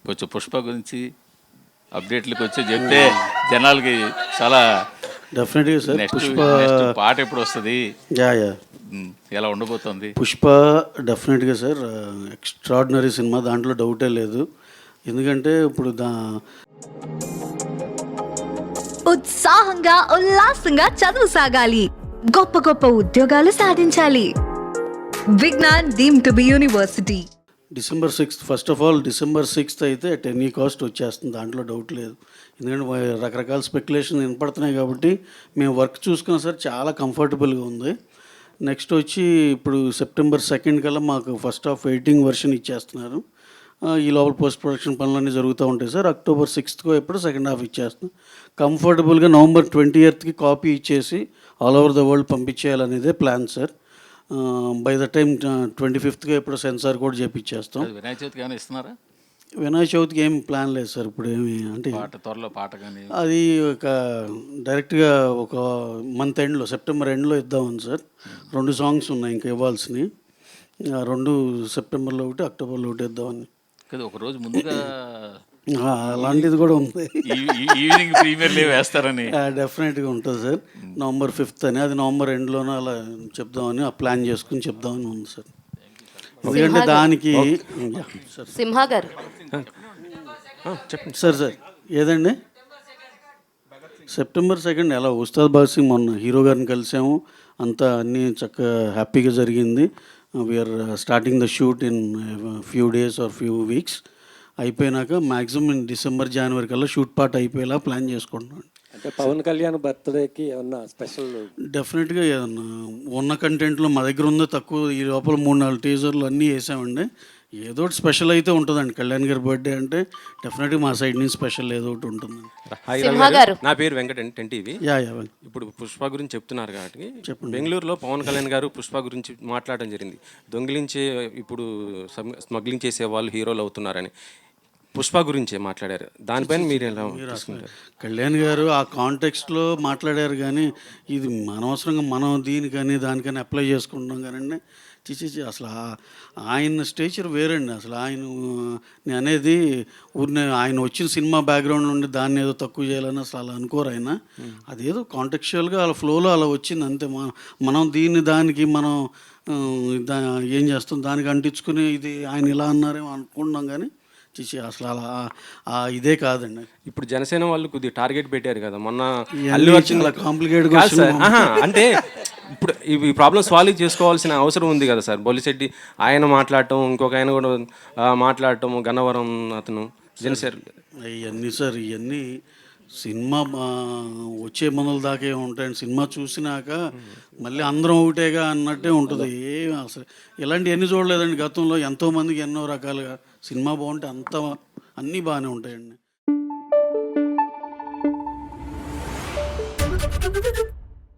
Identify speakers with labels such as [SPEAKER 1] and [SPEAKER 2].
[SPEAKER 1] కొంచెం పుష్ప గురించి అప్డేట్లకు వచ్చి చెప్తే జనాలకి చాలా
[SPEAKER 2] డెఫినెట్గా సార్.
[SPEAKER 1] నెక్స్ట్ పాట ఎప్పుడు వస్తుంది,
[SPEAKER 2] యా
[SPEAKER 1] ఎలా ఉండబోతుంది?
[SPEAKER 2] పుష్ప డెఫినెట్గా సార్ ఎక్స్ట్రాడినరీ సినిమా, దాంట్లో డౌటే లేదు. ఎందుకంటే ఇప్పుడు
[SPEAKER 3] ఉత్సాహంగా ఉల్లాసంగా చదువు సాగాలి, గొప్ప గొప్ప ఉద్యోగాలు సాధించాలి. Vignan deemed to be university.
[SPEAKER 2] December 6th, first of all December 6th అయితే అట్ ఎనీ కాస్ట్ వచ్చేస్తుంది, దాంట్లో డౌట్ లేదు. ఎందుకంటే రకరకాల స్పెక్యులేషన్ వినపడుతున్నాయి కాబట్టి మేము వర్క్ చూసుకున్నా సార్ చాలా కంఫర్టబుల్గా ఉంది. నెక్స్ట్ వచ్చి ఇప్పుడు September 2nd కల్లా మాకు ఫస్ట్ హాఫ్ ఎడిటింగ్ వర్షన్ ఇచ్చేస్తున్నారు. ఈ లోపల పోస్ట్ ప్రొడక్షన్ పనులన్నీ జరుగుతూ ఉంటాయి సార్. October 6th ఎప్పుడు సెకండ్ హాఫ్ ఇచ్చేస్తున్నాం. కంఫర్టబుల్గా November 20th కాపీ ఇచ్చేసి ఆల్ ఓవర్ ద వరల్డ్ పంపించేయాలనేదే plan sir. By the time 25th ఎప్పుడు సెన్సార్ కూడా చేపించేస్తాం.
[SPEAKER 1] వినాయక చవితికి ఏమైనా ఇస్తున్నారా?
[SPEAKER 2] వినాయక చవితికి ఏం ప్లాన్ లేదు సార్ ఇప్పుడు ఏమి, అంటే
[SPEAKER 1] త్వరలో పాట కానీ
[SPEAKER 2] అది ఒక డైరెక్ట్గా ఒక మంత్ ఎండ్లో సెప్టెంబర్ ఎండ్లో ఇద్దామని సార్. 2 సాంగ్స్ ఉన్నాయి ఇంకా ఇవ్వాల్సినవి. 2 సెప్టెంబర్లో ఒకటి, అక్టోబర్లో ఒకటి ఇద్దామని.
[SPEAKER 1] కదా ఒక రోజు ముందుగా
[SPEAKER 2] అలాంటిది కూడా ఉంది.
[SPEAKER 1] ఈవినింగ్ ప్రీమియర్ లీవ్ వేస్తారని
[SPEAKER 2] డెఫినెట్గా ఉంటుంది సార్. November 5th అని, అది November ఎండ్లోనే అలా చెప్దామని ప్లాన్ చేసుకుని చెప్దామని ఉంది సార్. ఎందుకంటే దానికి
[SPEAKER 4] సింహ గారు
[SPEAKER 2] చెప్పండి సార్. ఏదండి September 2nd ఎలా ఉస్తాద్ భగత్ సింగ్ మొన్న హీరో గారిని కలిసాము, అంతా అన్నీ చక్కగా హ్యాపీగా జరిగింది. We are starting the shoot in few days or few weeks. అయిపోయినాక మ్యాక్సిమం December, January కల్లా షూట్ పార్ట్ అయిపోయేలా ప్లాన్ చేసుకుంటున్నాను.
[SPEAKER 5] అంటే పవన్ కళ్యాణ్ బర్త్డేకి ఏమన్నా స్పెషల్?
[SPEAKER 2] డెఫినెట్గా ఏదన్నా ఉన్న కంటెంట్లో మా దగ్గర ఉందో తక్కువ, ఈ లోపల 3-4 టీజర్లు అన్నీ వేసామండి. ఏదో ఒకటి స్పెషల్ అయితే ఉంటుందండి. కళ్యాణ్ గారి బర్త్డే అంటే డెఫినెట్గా మా సైడ్ నుంచి స్పెషల్ ఏదో ఒకటి ఉంటుందండి.
[SPEAKER 4] సింహ గారు,
[SPEAKER 6] నా పేరు వెంకట టీవీ.
[SPEAKER 2] యా
[SPEAKER 6] ఇప్పుడు పుష్ప గురించి చెప్తున్నారు కాబట్టి బెంగళూరులో పవన్ కళ్యాణ్ గారు పుష్ప గురించి మాట్లాడడం జరిగింది. దొంగిలించే ఇప్పుడు స్మగ్లింగ్ చేసే వాళ్ళు హీరోలు అవుతున్నారని పుష్ప గురించే మాట్లాడారు. దానిపైన మీరు ఎలా తీసుకుంటారు?
[SPEAKER 2] కళ్యాణ్ గారు ఆ కాంటెక్స్ట్లో మాట్లాడారు, కానీ ఇది అనవసరంగా మనం దీనికని దానికని అప్లై చేసుకుంటున్నాం కానీ అసలు ఆయన స్టేచర్ వేరండి. అసలు నేను అనేది ఊరిని ఆయన వచ్చిన సినిమా బ్యాక్గ్రౌండ్ నుండి దాన్ని ఏదో తక్కువ చేయాలని అసలు అలా అనుకోరు ఆయన. అదేదో కాంటెక్చువల్గా అలా ఫ్లోలో అలా వచ్చింది అంతే. మనం దానికి మనం ఏం చేస్తాం, దానికి అంటించుకుని ఇది ఆయన ఇలా అన్నారేమో అనుకుంటున్నాం, కానీ అసలు అలా ఇదే కాదండి.
[SPEAKER 6] ఇప్పుడు జనసేన వాళ్ళు కొద్దిగా టార్గెట్ పెట్టారు కదా మొన్న.
[SPEAKER 2] అల్లు అర్జున్ కాంప్లికేట్
[SPEAKER 6] అంటే ఇప్పుడు ఈ ప్రాబ్లమ్ సాల్వ్ చేసుకోవాల్సిన అవసరం ఉంది కదా సార్. బొలిశెట్టి ఆయన మాట్లాడటం, ఇంకొక ఆయన కూడా మాట్లాడటం, గన్నవరం అతను జనసేన.
[SPEAKER 2] ఇవన్నీ సార్, ఇవన్నీ సినిమా వచ్చే మనల దాకే ఉంటాయండి. సినిమా చూసినాక మళ్ళీ అందరం ఒకటేగా అన్నట్టే ఉంటుంది. అసలు ఇలాంటివన్నీ చూడలేదండి గతంలో. ఎంతోమందికి ఎన్నో రకాలుగా సినిమా బాగుంటే అన్నీ బాగానే ఉంటాయండి.